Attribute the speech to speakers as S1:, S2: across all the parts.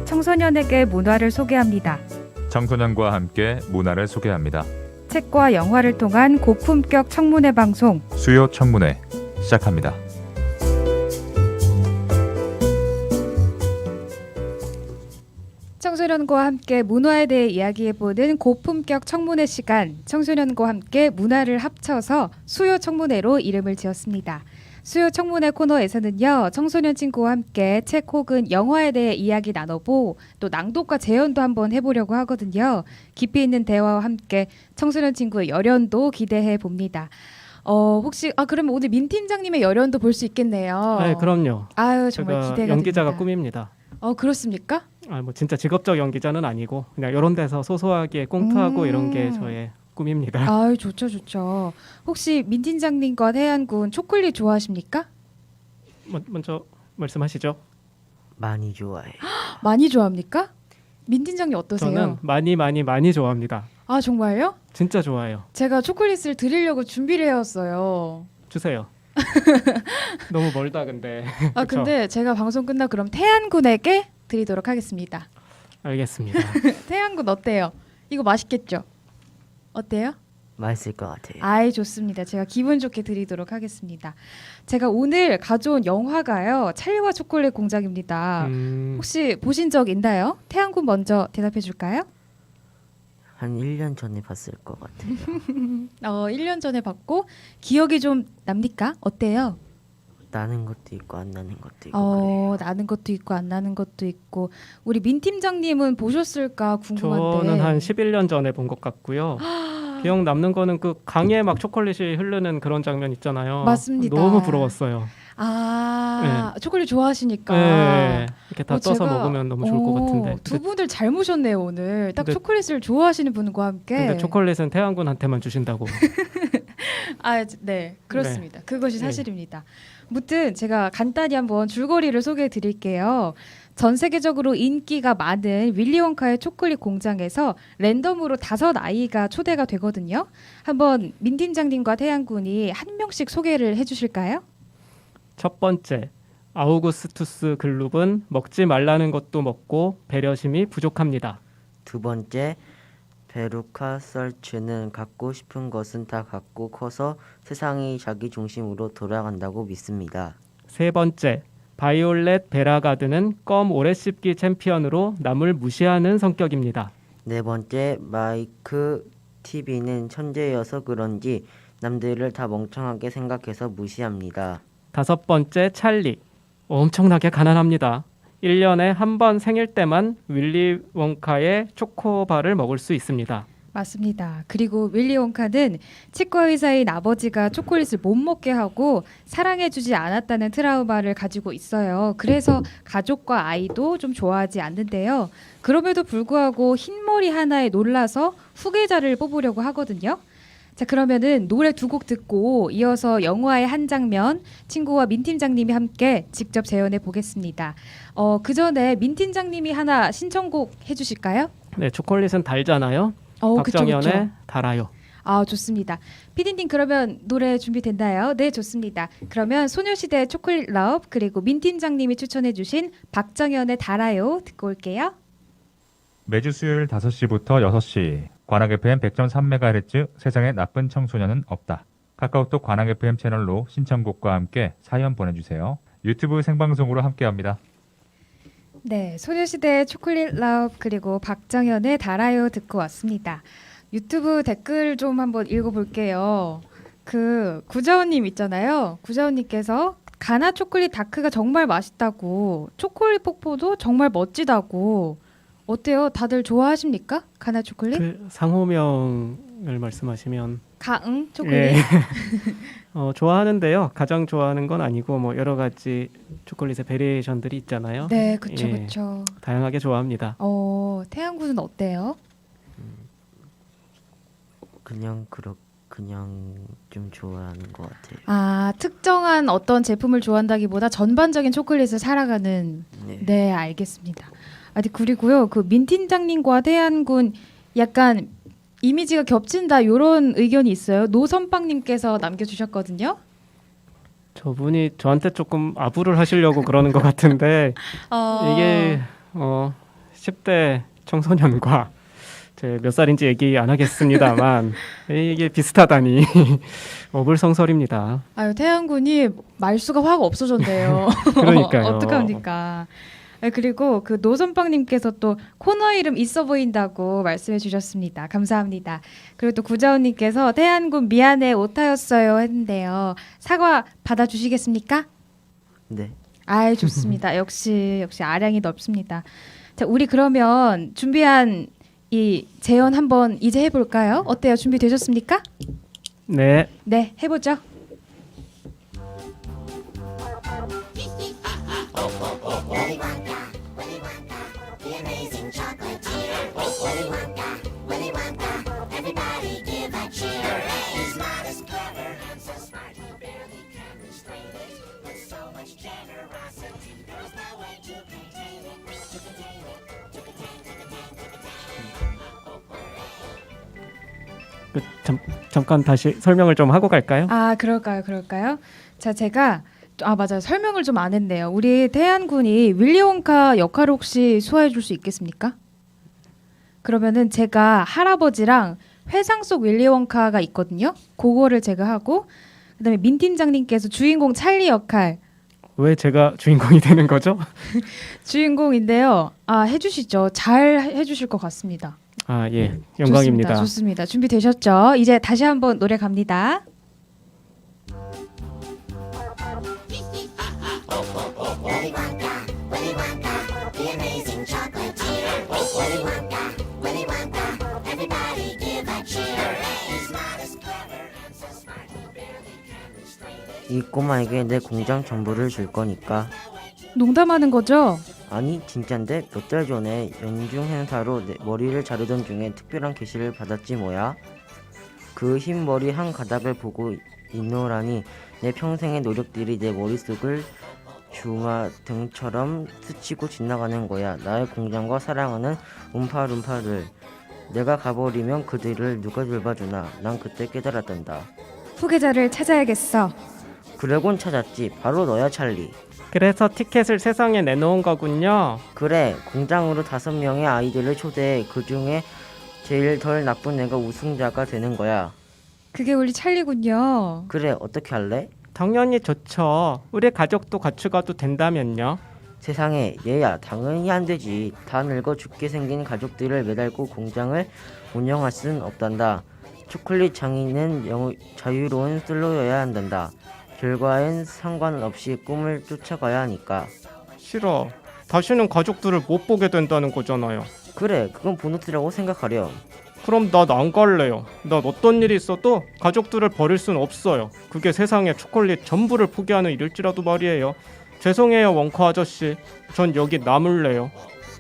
S1: 청소년에게 문화를 소개합니다.
S2: 청소년과 함께 문화를 소개합니다.
S1: 책과 영화를 통한 고품격 청문회 방송
S2: 수요 청문회 시작합니다.
S1: 청소년과 함께 문화에 대해 이야기해보는 고품격 청문회 시간, 청소년과 함께 문화를 합쳐서 수요 청문회로 이름을 지었습니다. 수요 청문회 코너에서는요, 청소년 친구와 함께 책 혹은 영화에 대해 이야기 나눠보고 또 낭독과 재연도 한번 해보려고 하거든요. 깊이 있는 대화와 함께 청소년 친구의 열연도 기대해 봅니다. 혹시 그러면 오늘 민 팀장님의 열연도 볼 수 있겠네요.
S3: 네, 그럼요.
S1: 아유, 정말
S3: 제가
S1: 기대가
S3: 연기자가
S1: 됩니다.
S3: 꿈입니다.
S1: 그렇습니까?
S3: 뭐 진짜 직업적 연기자는 아니고 그냥 이런 데서 소소하게 꽁트하고 이런 게 저의 꿈입니다.
S1: 아유, 좋죠, 좋죠. 혹시 민 팀장님과 태안군 초콜릿 좋아하십니까?
S3: 먼저 말씀하시죠.
S4: 많이 좋아해요.
S1: 많이 좋아합니까? 민 팀장님 어떠세요?
S3: 저는 많이 좋아합니다.
S1: 아, 정말요?
S3: 진짜 좋아해요.
S1: 제가 초콜릿을 드리려고 준비를 해왔어요.
S3: 주세요. 너무 멀다 근데.
S1: 아,
S3: 그쵸?
S1: 근데 제가 방송 끝나고 그럼 태안군에게 드리도록 하겠습니다.
S3: 알겠습니다.
S1: 태안군 어때요? 이거 맛있겠죠? 어때요?
S4: 맛있을 것 같아요.
S1: 아이, 좋습니다. 제가 기분 좋게 드리도록 하겠습니다. 제가 오늘 가져온 영화가요, 찰리와 초콜릿 공장입니다. 혹시 보신 적 있나요? 태안군 먼저 대답해 줄까요?
S4: 한 1년 전에 봤을 것 같아요.
S1: 1년 전에 봤고 기억이 좀 납니까? 어때요?
S4: 나는 것도 있고 안 나는 것도 있고 그래요.
S1: 나는 것도 있고 안 나는 것도 있고. 우리 민 팀장님은 보셨을까 궁금한데.
S3: 저는 한 11년 전에 본 것 같고요. 기억 남는 거는 그 강에 막 초콜릿이 흐르는 그런 장면 있잖아요.
S1: 맞습니다.
S3: 너무 부러웠어요.
S1: 초콜릿 좋아하시니까.
S3: 네, 이렇게 다 떠서
S1: 제가-
S3: 먹으면 너무 좋을 것 같은데.
S1: 두 분들 잘 모셨네요 오늘. 딱
S3: 근데-
S1: 초콜릿을 좋아하시는 분과 함께.
S3: 근데 초콜릿은 태양군한테만 주신다고.
S1: 네, 그렇습니다. 그것이 사실입니다. 무튼 제가 간단히 한번 줄거리를 소개해 드릴게요. 전 세계적으로 인기가 많은 윌리 원카의 초콜릿 공장에서 랜덤으로 5아이가 초대가 되거든요. 한번 민 팀장님과 태양군이 한 명씩 소개를 해주실까요?
S3: 첫 번째, 아우구스투스 글룹은 먹지 말라는 것도 먹고 배려심이 부족합니다.
S4: 두 번째, 베루카 설츠는 갖고 싶은 것은 다 갖고 커서 세상이 자기 중심으로 돌아간다고 믿습니다.
S3: 세 번째, 바이올렛 베라가드는 껌 오래 씹기 챔피언으로 남을 무시하는 성격입니다.
S4: 네 번째, 마이크 TV는 천재여서 그런지 남들을 다 멍청하게 생각해서 무시합니다.
S3: 다섯 번째, 찰리. 엄청나게 가난합니다. 1년에 한 번 생일 때만 윌리 원카의 초코바를 먹을 수 있습니다.
S1: 맞습니다. 그리고 윌리 원카는 치과 의사인 아버지가 초콜릿을 못 먹게 하고 사랑해주지 않았다는 트라우마를 가지고 있어요. 그래서 가족과 아이도 좀 좋아하지 않는데요. 그럼에도 불구하고 흰머리 하나에 놀라서 후계자를 뽑으려고 하거든요. 자, 그러면은 노래 2곡 듣고 이어서 영화의 한 장면 친구와 민 팀장님이 함께 직접 재연해 보겠습니다. 그 전에 민 팀장님이 하나 신청곡 해주실까요?
S3: 네, 초콜릿은 달잖아요.
S1: 그쵸,
S3: 박정현의
S1: 그쵸.
S3: 달아요.
S1: 좋습니다. 피디님 그러면 노래 준비됐나요? 네, 좋습니다. 그러면 소녀시대 초콜릿 러브 그리고 민 팀장님이 추천해주신 박정현의 달아요 듣고 올게요.
S2: 매주 수요일 5시부터 6시 관악 FM 100.3MHz 세상에 나쁜 청소년은 없다. 카카오톡 관악 FM 채널로 신청곡과 함께 사연 보내주세요. 유튜브 생방송으로 함께합니다.
S1: 네, 소녀시대 초콜릿 러브 그리고 박정현의 달아요 듣고 왔습니다. 유튜브 댓글 좀 한번 읽어볼게요. 구자원님 있잖아요. 구자원님께서 가나 초콜릿 다크가 정말 맛있다고, 초콜릿 폭포도 정말 멋지다고. 어때요? 다들 좋아하십니까? 가나 초콜릿?
S3: 그 상호명을 말씀하시면
S1: 가응 초콜릿?
S3: 예. 좋아하는데요. 가장 좋아하는 건 아니고 뭐 여러 가지 초콜릿의 베리에이션들이 있잖아요.
S1: 네, 그쵸,
S3: 예.
S1: 그쵸.
S3: 다양하게 좋아합니다.
S1: 태양군은 어때요?
S4: 그냥 좀 좋아하는 것 같아요.
S1: 특정한 어떤 제품을 좋아한다기보다 전반적인 초콜릿을 살아가는.
S4: 네.
S1: 네, 알겠습니다. 그리고요, 민 팀장님과 태양군 약간 이미지가 겹친다 이런 의견이 있어요. 노선빵님께서 남겨주셨거든요.
S3: 저분이 저한테 조금 아부를 하시려고 그러는 것 같은데 이게 10대 청소년과 제 몇 살인지 얘기 안 하겠습니다만 이게 비슷하다니 어불성설입니다.
S1: 아유 태양군이 말수가 확 없어졌네요.
S3: 그러니까요.
S1: 어떡합니까? 아, 그리고 그 노선빵님께서 또 코너 이름 있어 보인다고 말씀해 주셨습니다. 감사합니다. 그리고 또 구자훈님께서 태양군 미안해 오타였어요 했는데요. 사과 받아주시겠습니까?
S4: 네.
S1: 아이 좋습니다. 역시 아량이 넓습니다. 자 우리 그러면 준비한 이 재연 한번 이제 해볼까요? 어때요? 준비되셨습니까?
S3: 네.
S1: 네 해보죠.
S3: 잠깐 다시 설명을 좀 하고 갈까요?
S1: 아 그럴까요? 자 제가 맞아요. 설명을 좀 안 했네요. 우리 태안군이 윌리 원카 역할을 혹시 소화해 줄 수 있겠습니까? 그러면은 제가 할아버지랑 회상 속 윌리 원카가 있거든요. 그거를 제가 하고 그다음에 민 팀장님께서 주인공 찰리 역할
S3: 왜 제가 주인공이 되는 거죠?
S1: 주인공인데요. 해주시죠. 잘 해주실 것 같습니다.
S3: 아, 예. 영광입니다.
S1: 좋습니다. 준비되셨죠? 이제 다시 한번 노래 갑니다.
S4: 이 꼬마에게 내 공장 전부를 줄 거니까.
S1: 농담하는 거죠?
S4: 아니 진짠데 몇 달 전에 연중 행사로 내 머리를 자르던 중에 특별한 계시를 받았지 뭐야. 그 흰 머리 한 가닥을 보고 있노라니 내 평생의 노력들이 내 머릿속을 주마등처럼 스치고 지나가는 거야. 나의 공장과 사랑하는 움파룸파를 내가 가버리면 그들을 누가 돌봐주나. 난 그때 깨달았단다.
S1: 후계자를 찾아야겠어.
S4: 그러곤 찾았지. 바로 너야 찰리.
S3: 그래서 티켓을 세상에 내놓은 거군요.
S4: 그래, 공장으로 5명의 아이들을 초대해. 그 중에 제일 덜 나쁜 애가 우승자가 되는 거야.
S1: 그게 우리 찰리군요.
S4: 그래, 어떻게 할래?
S3: 당연히 좋죠. 우리 가족도 같이 가도 된다면요.
S4: 세상에, 얘야, 당연히 안 되지. 다 늙어 죽게 생긴 가족들을 매달고 공장을 운영할 순 없단다. 초콜릿 장인은 자유로운 솔로여야 한단다. 결과엔 상관없이 꿈을 쫓아가야 하니까.
S3: 싫어. 다시는 가족들을 못 보게 된다는 거잖아요.
S4: 그래, 그건 보너스라고 생각하렴.
S3: 그럼 난 안 갈래요. 난 어떤 일이 있어도 가족들을 버릴 순 없어요. 그게 세상에 초콜릿 전부를 포기하는 일일지라도 말이에요. 죄송해요, 원커 아저씨. 전 여기 남을래요.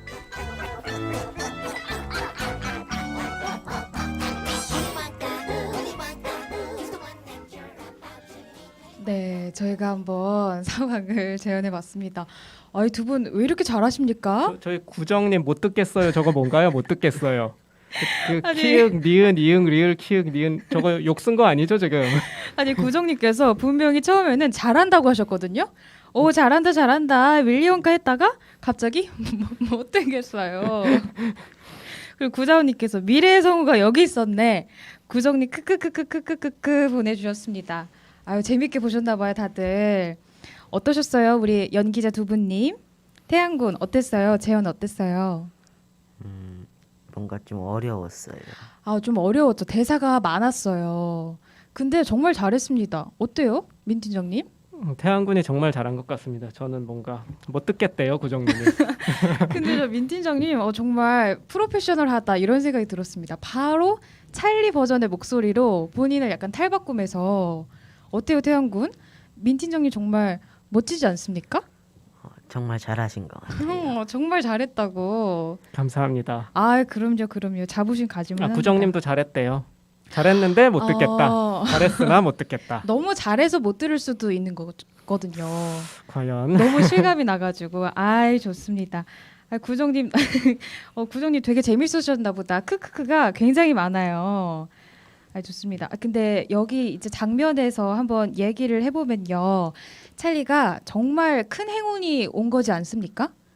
S1: 네, 저희가 한번 상황을 재현해봤습니다. 아이 두 분 왜 이렇게 잘하십니까?
S3: 저희 구정님 못 듣겠어요. 저거 뭔가요? 못 듣겠어요.
S1: 아니.
S3: 키읔, 니은, 이응, 리을, 키읔, 니은 저거 욕 쓴 거 아니죠 지금?
S1: 아니 구정님께서 분명히 처음에는 잘한다고 하셨거든요. 오 잘한다 윌리 원카 했다가 갑자기 못 되겠어요. 그리고 구자원님께서 미래의 성우가 여기 있었네. 구정님 크크크크크크크 보내주셨습니다. 아유 재밌게 보셨나봐요 다들. 어떠셨어요 우리 연기자 두 분님? 태양군 어땠어요? 재현 어땠어요?
S4: 뭔가 좀 어려웠어요.
S1: 좀 어려웠죠. 대사가 많았어요. 근데 정말 잘했습니다. 어때요, 민 팀장님?
S3: 태양군이 정말 잘한 것 같습니다. 저는 뭔가 못 듣겠대요, 구정님이.
S1: 근데 저 민 팀장님 정말 프로페셔널하다 이런 생각이 들었습니다. 바로 찰리 버전의 목소리로 본인을 약간 탈바꿈해서 어때요, 태양군? 민 팀장님 정말 멋지지 않습니까?
S4: 정말 잘하신 것 같아요.
S1: 정말 잘했다고.
S3: 감사합니다.
S1: 그럼요. 자부심 가지면 합니다.
S3: 구정님도 잘했대요. 잘했는데 못 듣겠다. 잘했으나 못 듣겠다.
S1: 너무 잘해서 못 들을 수도 있는 거거든요.
S3: 과연
S1: 너무 실감이 나가지고 좋습니다. 구정님 구정님 되게 재밌으셨나 보다. 크크크가 굉장히 많아요. 좋습니다. 근데 여기 이제 장면에서 한번 얘기를 해보면요, 찰리가 정말 큰 행운이 온 거지 않습니까?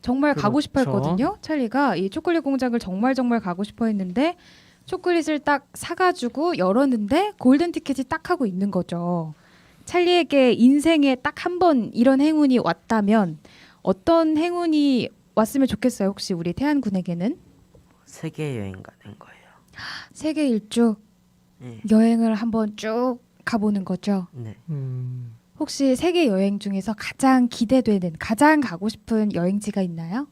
S1: 정말 가고 싶어
S3: 그렇죠.
S1: 했거든요. 찰리가 이 초콜릿 공장을 정말 가고 싶어 했는데 초콜릿을 딱 사가지고 열었는데 골든 티켓이 딱 하고 있는 거죠. 찰리에게 인생에 딱 한 번 이런 행운이 왔다면 어떤 행운이 왔으면 좋겠어요. 혹시 우리 태안 군에게는
S4: 세계 여행 가는 거예요.
S1: 세계 일주
S4: 네.
S1: 여행을 한번 쭉 가보는 거죠.
S4: 네.
S1: 혹시 세계 여행 중에서 가장 기대되는, 가장 가고 싶은 여행지가 있나요?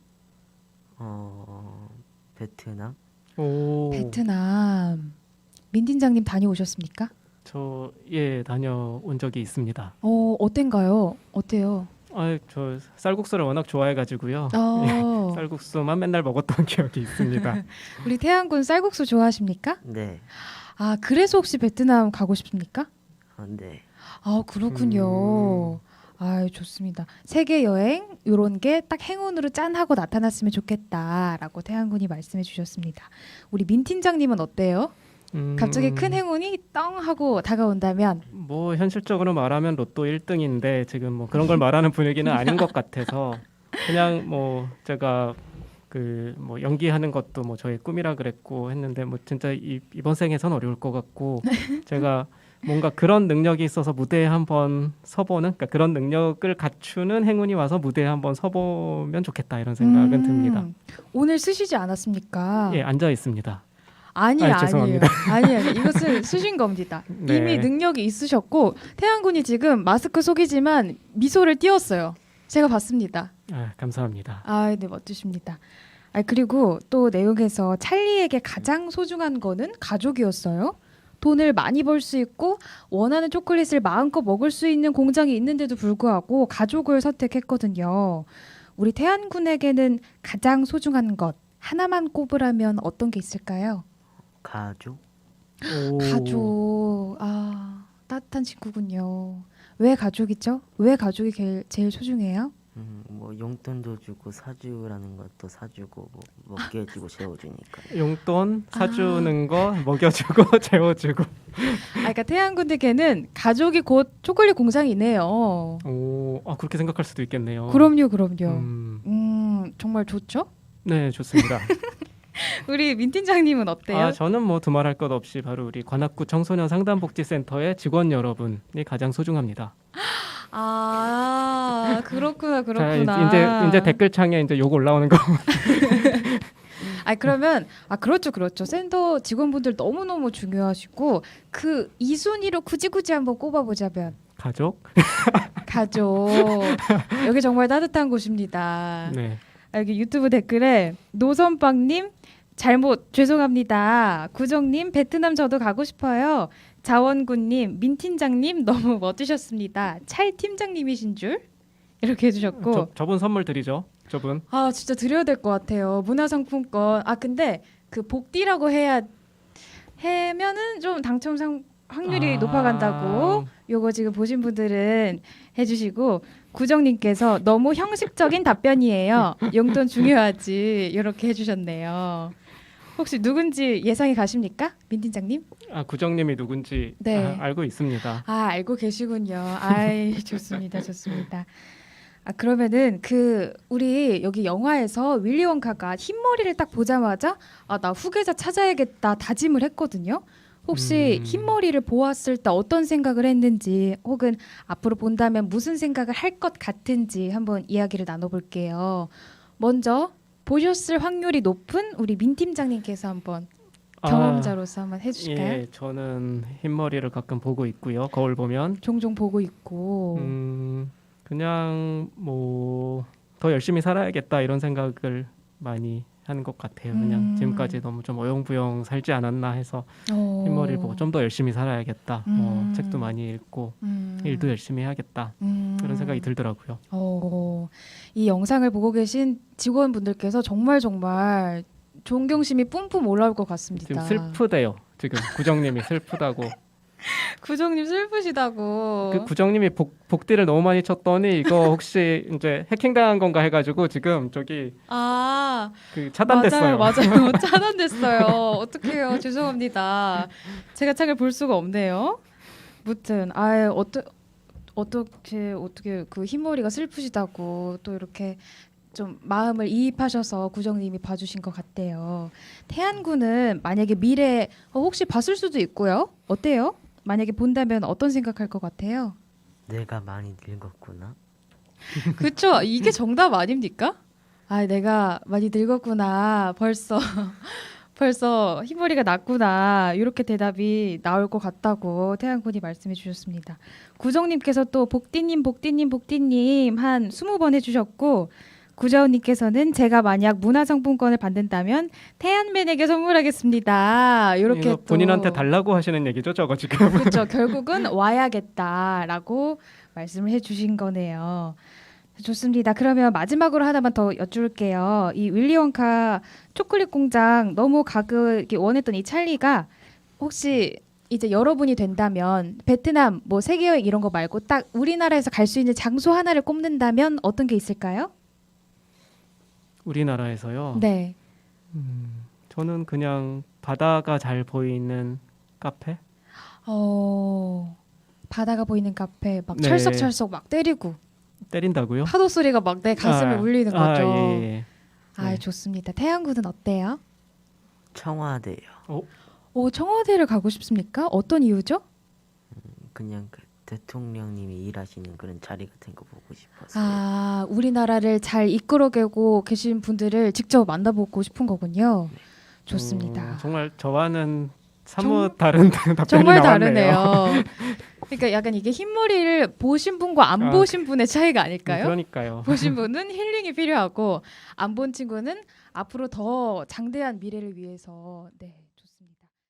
S4: 베트남?
S3: 오,
S1: 베트남. 민 팀장님 다녀오셨습니까?
S3: 저 예 다녀온 적이 있습니다.
S1: 어땠가요? 어때요?
S3: 저 쌀국수를 워낙 좋아해가지고요.
S1: 어,
S3: 쌀국수만 맨날 먹었던 기억이 있습니다.
S1: 우리 태양군 쌀국수 좋아하십니까?
S4: 네.
S1: 아, 그래서 혹시 베트남 가고 싶습니까?
S4: 네.
S1: 아, 그렇군요. 아, 좋습니다. 세계 여행 요런 게 딱 행운으로 짠 하고 나타났으면 좋겠다라고 태양군이 말씀해 주셨습니다. 우리 민 팀장님은 어때요? 갑자기 큰 행운이 떵 하고 다가온다면
S3: 뭐 현실적으로 말하면 로또 1등인데 지금 뭐 그런 걸 말하는 분위기는 아닌 것 같아서 그냥 뭐 제가 그 뭐 연기하는 것도 뭐 저의 꿈이라 그랬고 했는데 뭐 진짜 이번 생에선 어려울 것 같고 제가 뭔가 그런 능력이 있어서 무대에 한번 서보는 그러니까 그런 능력을 갖추는 행운이 와서 무대에 한번 서보면 좋겠다 이런 생각은 듭니다.
S1: 오늘 쓰시지 않았습니까?
S3: 예, 앉아 있습니다.
S1: 아니에요.
S3: 죄송합니다.
S1: 아니에요. 이것은 쓰신 겁니다.
S3: 네.
S1: 이미 능력이 있으셨고 태양군이 지금 마스크 속이지만 미소를 띄웠어요. 제가 봤습니다.
S3: 감사합니다.
S1: 아, 네, 멋지십니다. 아, 그리고 또 내용에서 찰리에게 가장 소중한 거는 가족이었어요. 돈을 많이 벌 수 있고 원하는 초콜릿을 마음껏 먹을 수 있는 공장이 있는데도 불구하고 가족을 선택했거든요. 우리 태안 군에게는 가장 소중한 것 하나만 꼽으라면 어떤 게 있을까요?
S4: 가족?
S3: 오.
S1: 가족. 아, 따뜻한 친구군요. 왜 가족이죠? 왜 가족이 제일 소중해요?
S4: 뭐 용돈도 주고 사주라는 것도 사주고 뭐 먹게 해주고 재워주니까.
S3: 용돈 사주는 거 먹여주고 재워주고.
S1: 그러니까 태안 군에게는 가족이 곧 초콜릿 공장이네요.
S3: 오, 그렇게 생각할 수도 있겠네요.
S1: 그럼요. 정말 좋죠?
S3: 네, 좋습니다.
S1: 우리 민 팀장님은 어때요?
S3: 저는 뭐 두말할 것 없이 바로 우리 관악구 청소년 상담복지센터의 직원 여러분이 가장 소중합니다.
S1: 아, 그렇구나.
S3: 자, 이제 댓글창에 이제 욕 올라오는 거.
S1: 그러면 그렇죠. 센터 직원분들 너무너무 중요하시고 그 2순위로 굳이 한번 꼽아보자면
S3: 가족?
S1: 가족. 여기 정말 따뜻한 곳입니다.
S3: 네.
S1: 여기 유튜브 댓글에 노선빵님 죄송합니다. 구정님 베트남 저도 가고 싶어요. 자원군님 민팀장님 너무 멋지셨습니다. 찰 팀장님이신 줄 이렇게 해주셨고
S3: 저분 선물 드리죠. 저분.
S1: 진짜 드려야 될 것 같아요. 문화상품권. 근데 그 복디라고 해면은 좀 당첨 확률이 높아간다고 요거 지금 보신 분들은 해주시고 구정님께서 너무 형식적인 답변이에요. 용돈 중요하지 이렇게 해주셨네요. 혹시 누군지 예상이 가십니까? 민 팀장님?
S3: 구정님이 누군지
S1: 네.
S3: 알고 있습니다.
S1: 알고 계시군요. 아이 좋습니다. 그러면은 우리 여기 영화에서 윌리 원카가 흰머리를 딱 보자마자 나 후계자 찾아야겠다 다짐을 했거든요. 혹시 흰머리를 보았을 때 어떤 생각을 했는지 혹은 앞으로 본다면 무슨 생각을 할 것 같은지 한번 이야기를 나눠볼게요. 먼저 보셨을 확률이 높은 우리 민 팀장님께서 한번 경험자로서 한번 해주실까요?
S3: 예, 저는 흰머리를 가끔 보고 있고요. 거울 보면
S1: 종종 보고 있고
S3: 그냥 뭐 더 열심히 살아야겠다 이런 생각을 많이 하는 것 같아요. 그냥 지금까지 너무 좀 어영부영 살지 않았나 해서 흰머리를 보고 좀 더 열심히 살아야겠다. 뭐 책도 많이 읽고 일도 열심히 해야겠다. 그런 생각이 들더라고요.
S1: 이 영상을 보고 계신 직원분들께서 정말 존경심이 뿜뿜 올라올 것 같습니다.
S3: 지금 슬프대요. 지금 구정님이 슬프다고.
S1: 구정님 슬프시다고.
S3: 그 구정님이 복디를 너무 많이 쳤더니 이거 혹시 이제 해킹당한 건가 해가지고 지금 저기 그 차단됐어요.
S1: 맞아요. 차단됐어요. 어떡해요. 죄송합니다. 제가 책을 볼 수가 없네요. 무튼 어떻게 그 흰머리가 슬프시다고 또 이렇게 좀 마음을 이입하셔서 구정님이 봐주신 것 같대요. 태안군은 만약에 미래 혹시 봤을 수도 있고요. 어때요? 만약에 본다면 어떤 생각할 것 같아요?
S4: 내가 많이 늙었구나.
S1: 그쵸? 이게 정답 아닙니까? 아, 내가 많이 늙었구나. 벌써 흰머리가 났구나. 이렇게 대답이 나올 것 같다고 태양군이 말씀해 주셨습니다. 구정님께서 또 복디님 한 20번 해주셨고, 구자원님께서는 제가 만약 문화상품권을 받는다면 태안맨에게 선물하겠습니다. 이렇게
S3: 이거
S1: 또
S3: 본인한테 달라고 하시는 얘기죠, 저거 지금.
S1: 그렇죠. 결국은 와야겠다라고 말씀을 해주신 거네요. 좋습니다. 그러면 마지막으로 하나만 더 여쭐게요. 이 윌리 원카 초콜릿 공장 너무 가기 원했던 이 찰리가 혹시 이제 여러분이 된다면 베트남 뭐 세계 여행 이런 거 말고 딱 우리나라에서 갈 수 있는 장소 하나를 꼽는다면 어떤 게 있을까요?
S3: 우리나라에서요.
S1: 네.
S3: 저는 그냥 바다가 잘 보이는 카페?
S1: 바다가 보이는 카페 막
S3: 네.
S1: 철썩철썩 막 때리고
S3: 때린다고요?
S1: 파도 소리가 막 내 가슴을 울리는 거죠.
S3: 예.
S1: 아,
S3: 네.
S1: 좋습니다. 태양군은 어때요?
S4: 청와대요.
S1: 청와대를 가고 싶습니까? 어떤 이유죠?
S4: 그냥 그 대통령님이 일하시는 그런 자리 같은 거 보고 싶었어요.
S1: 아, 우리나라를 잘 이끌어가고 계신 분들을 직접 만나보고 싶은 거군요. 좋습니다.
S3: 정말 저와는 사뭇 다른 답변이
S1: 정말
S3: 나왔네요.
S1: 다르네요. 그러니까 약간 이게 흰머리를 보신 분과 안 보신 분의 차이가 아닐까요?
S3: 그러니까요.
S1: 보신 분은 힐링이 필요하고 안 본 친구는 앞으로 더 장대한 미래를 위해서 네.